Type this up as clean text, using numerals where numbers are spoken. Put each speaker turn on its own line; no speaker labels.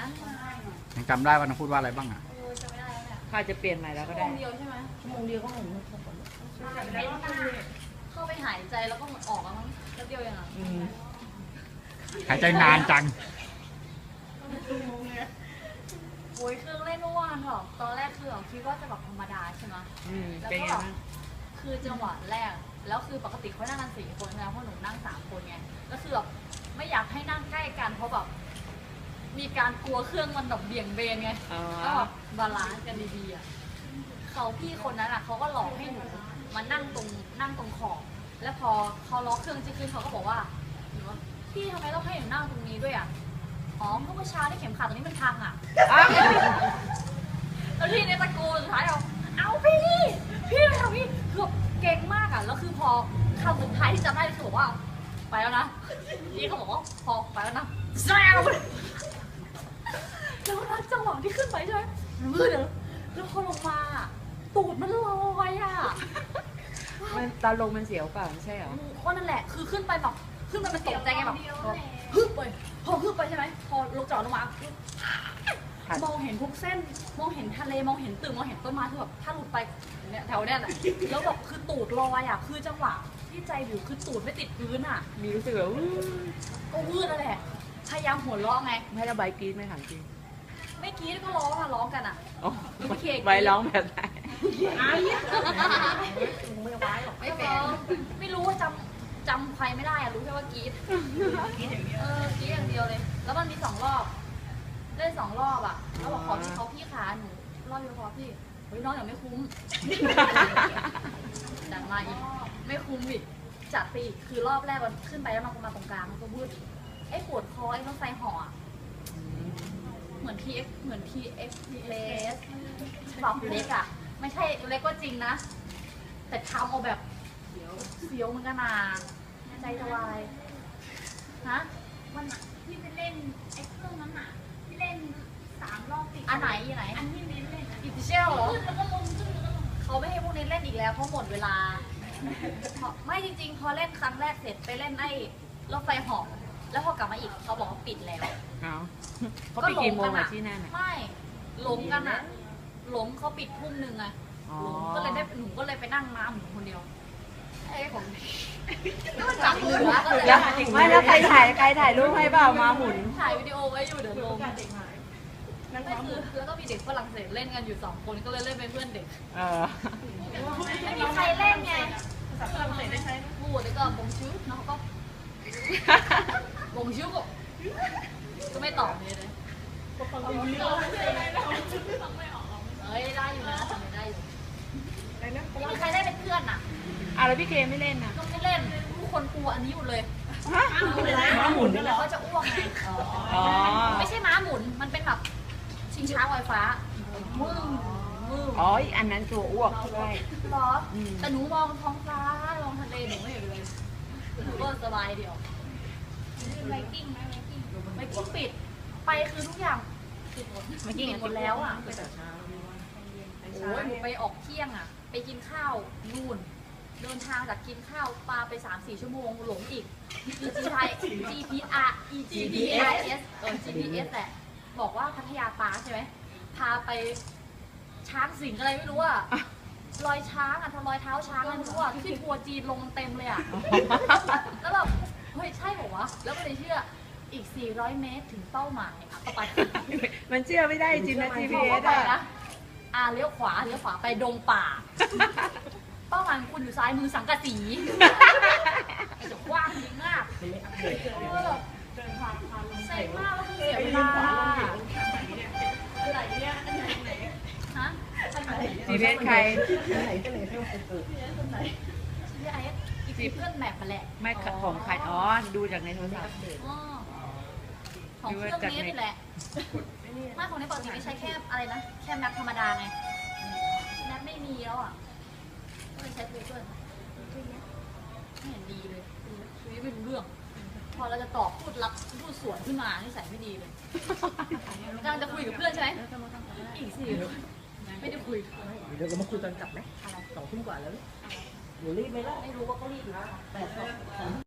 นะ
ยังจำได้ว่าน้องพูดว่าอะไรบ้างอ่ะ
จำไม่ได้แล้วเนี่ย
ข้าจะเปลี่ยนใหม่แล้วก็ได้
ชั่วโมงเดียวใช่ไหม
ชั่วโมงเดียวก็หมด
เข้าไปหายใจแล้วก็ออกแล้วมั้งแป๊บเดียวเองอ่ะ
หายใจนานจัง
โอ้ยเครื่องเล่นเมื่อวานหรอกตอนแรกคือคิดว่าจะแบบธรรมดาใช่ไหมแล้ว
เป็น
ก็
ไง
แบบ
บ้าง
คือจังหวะแรกแล้วคือปกติเขานั่งกัน4 คนแล้วเพราะหนูนั่ง3 คนไงก็คือแบบไม่อยากให้นั่งใกล้กันเพราะแบบมีการกลัวเครื่องมันแบบเบี่ยงเบนไง
อ๋อ
ก็แบบบาลานซ์กันดีๆอ่ะเขาพี่คนนั้นอ่ะเขาก็หลอกให้หนูมานั่งตรงขอบแล้วพอเขาล็อกเครื่องจะขึ้นเขาก็บอกว่าหนูว่าพี่ทำไมต้องให้หนูนั่งตรงนี้ด้วยอ่ะอ๋อเมื่อเช้าที่เข็มขัดตรงนี้มันพังอ่ะ แล้วพี่ในตะโกนสุดท้ายเอาพี่ไปทำพี่คือแบบเก่งมากอ่ะแล้วคือพอคำสุดท้ายที่จำได้คือบอกว่าไปแล้วนะพี่เขาบอกว่าพอไปแล้วนะแซวแล้วนะจังหวะที่ขึ้นไปใช่ไหมแล้วพอลงมาตูดมันลอยอ่ะ
มันตอนลงมันเสียวเปล่าไม่ใช่เหรอ
ก็นั่นแหละคือขึ้นไปแบบขึ้นไปมันตกใจไงแบบฮึบไปพอฮึบไปใช่ไหมพอลงจอดลงมามองเห็นทุกเส้นมองเห็นทะเลมองเห็นตึกมองเห็นต้นไม้คือแบบถ้าหลุดไปเนี่ยแถวเนี้ยแหละแล้วแบบคือตูดลอยอ่ะคือจังหวะที่ใจอยู่คือตูดไม่ติดพื้นอ่ะ
มีรู้สึกแบบ
ก็วืดนั่นแหละพยายามหัวเราะไง
ไม่ระบายกรี๊ดไม่ถามจริง
ไม่กรี๊ดก็ร้องอ่ะร้องกันอ่ะ
อ๋อ
ไม่เคย
ใบร้องแบบไหน
ไม่ร้องไม่รู้ว่าจำใครไม่ได้อะรู้แค่ว่ากรี๊ดกรี๊ดอย่างเดียวกรี๊ดอย่างเดียวเลย แล้วมันมี2 รอบเล่น2 รอบอ่ะแล้วบอกขอที่เขาพี่ขาหนูรอบเดียวพอพี่เฮ้ยน้องอย่าไม่คุ้มจัดมาอีกไม่คุ้มอีกจัดไปอีกคือรอบแรกมันขึ้นไปแล้วมันมาตรงกลางมันก็วืดไอ้ปวดคอไอ้ต้องใส่ห่ออะเหมือน TX เหมือน TX เลสปรับเล็กอ่ะไม่ใช่เล็กก็จริงนะ แต่ทำเอาแบบเสียวเหมือนกันนะใจจะวายฮะ
วันน่ะที่ไปเล่นไอ้เครื่องนั้นน่ะที่เล่น3 รอบติด
อันไหนอันไหน
อันที่เน้นเล่น
อิติเชลเหรอ
ขึ้นแล้วก็ลงขึ้นแล้วก็ลง
เขาไม่ให้พวกนี้เล่นอีกแล้วเพราะหมดเวลาไม่จริงๆ พอเล่นครั้งแรกเสร็จไปเล่นไอ้รถไฟเหาะแล้วพอกลับมาอีกเขาบอกว่าปิดแล้ว
เอาเขาปิดกี่โมงอะที่นั่นอะ
ไม่หลงกันอ่ะหลงเขาปิดทุ่มนึงอะ
อ๋อ
หลงก็เลยได้หนูก็เลยไปนั่งน้ำหนูคนเดียวไอ้ของก็จับมือก็เลย
แล้วไม่แล้วใครถ่ายรูปให้เปล่ามาหมุน
ถ่ายวิดีโอไว้อยู่เดี๋ยวลงไม่คือแล้วก็มีเด็กฝรั่งเศสเล่นกันอยู่2 คนก็เลยเล่นเป็นเพื่อนเด็ก
เออ
ไม่มีใครเล่นไงฝรั่งเศสได้ใช้พูดแล้วก็บงชิวแล้วเขาก็บงชิวก็ไม่ตอบเลยเฮ้ยได้อยู่นะทำได้อยู่ไม่มีใครได้เป็นเพื่อนอ่ะ
เอาแล้วพี่เคไม่เล่นนะ
ก็ไม่เล่นทุกคนกลัวอันนี้หมดเลย
ม้าหมุน
แล้วเขาจะอ้วกไง
อ๋อ
ไม่ใช่ม้าหมุนมันเป็นแบบชิงช้าลอยฟ้ามึง
อ๋ออีกอันนั้นตัวอ้วกใช่
หรอแต่หนูมองท้องฟ้ามองทะเลหนูไม่เห็นเลยหนูก็สบายเดียว
ไวกิ้งไหมไวกิ้ง
ไม่กิ้งปิดไปคือทุกอย่างปิดหมดไม่กิ้งหมดแล้วอ่ะโอ้ยหนูไปออกเที่ยงอ่ะไปกินข้าวนู่นเดินทางจากกินข้าวปลาไป 3-4 ชั่วโมงหลงอีก GPS แหละบอกว่าพัทยาปาร์คใช่ไหมพาไปช้างสิงอะไรไม่รู้อ่ะรอยช้างอ่ะทำรอยเท้าช้างอะไรไม่รู้อ่ะที่ทัวร์จีนลงเต็มเลยอ่ะแล้วแบบเฮ้ยใช่เหรอวะแล้วก็เลยเชื่ออีก 400 เมตรถึงเป้าหมายอ่ะก็ไป
มันเชื่อไม่ได้จริงนะ
พอ
GPS
ไป
อะ
นะเลี้ยวขวาไปดงป่า เป้าหมายของคุณอยู่ซ้ายมือสังกะสีจะกว้างดีมากแบบเซ็งมากแล้วคือเสียเวลาอะไรเนี่ยฮะ
GPS ใคร
GPS อีกเพื่อนแมปมาแหละ
ไม่ของใครอ๋อดูจากในโทรศัพท์
อ๋อของเครื่องนี้นี่แหละไม่ของนี้ปกติไม่ใช้แค่อะไรนะแค่แมปธรรมดาไงแมปไม่มีแล้วอ่ะก็เลยใช้ Google ไม่เห็นดีเลยคุยไม่รู้เรื่อง พอเราจะตอบพูดสวนขึ้นมานี่ใส่ไม่ดีเลยกำลังจะคุยกับเพื่อนใช่ไหมอีกสิไม่ได้คุย
เดี๋ยวเรามาคุยตอนกลับไหม2 ทุ่มกว่าแล้วหนูรีบไหมล่ะ
ไม่รู้ว่าเขารีบหรือเปล่า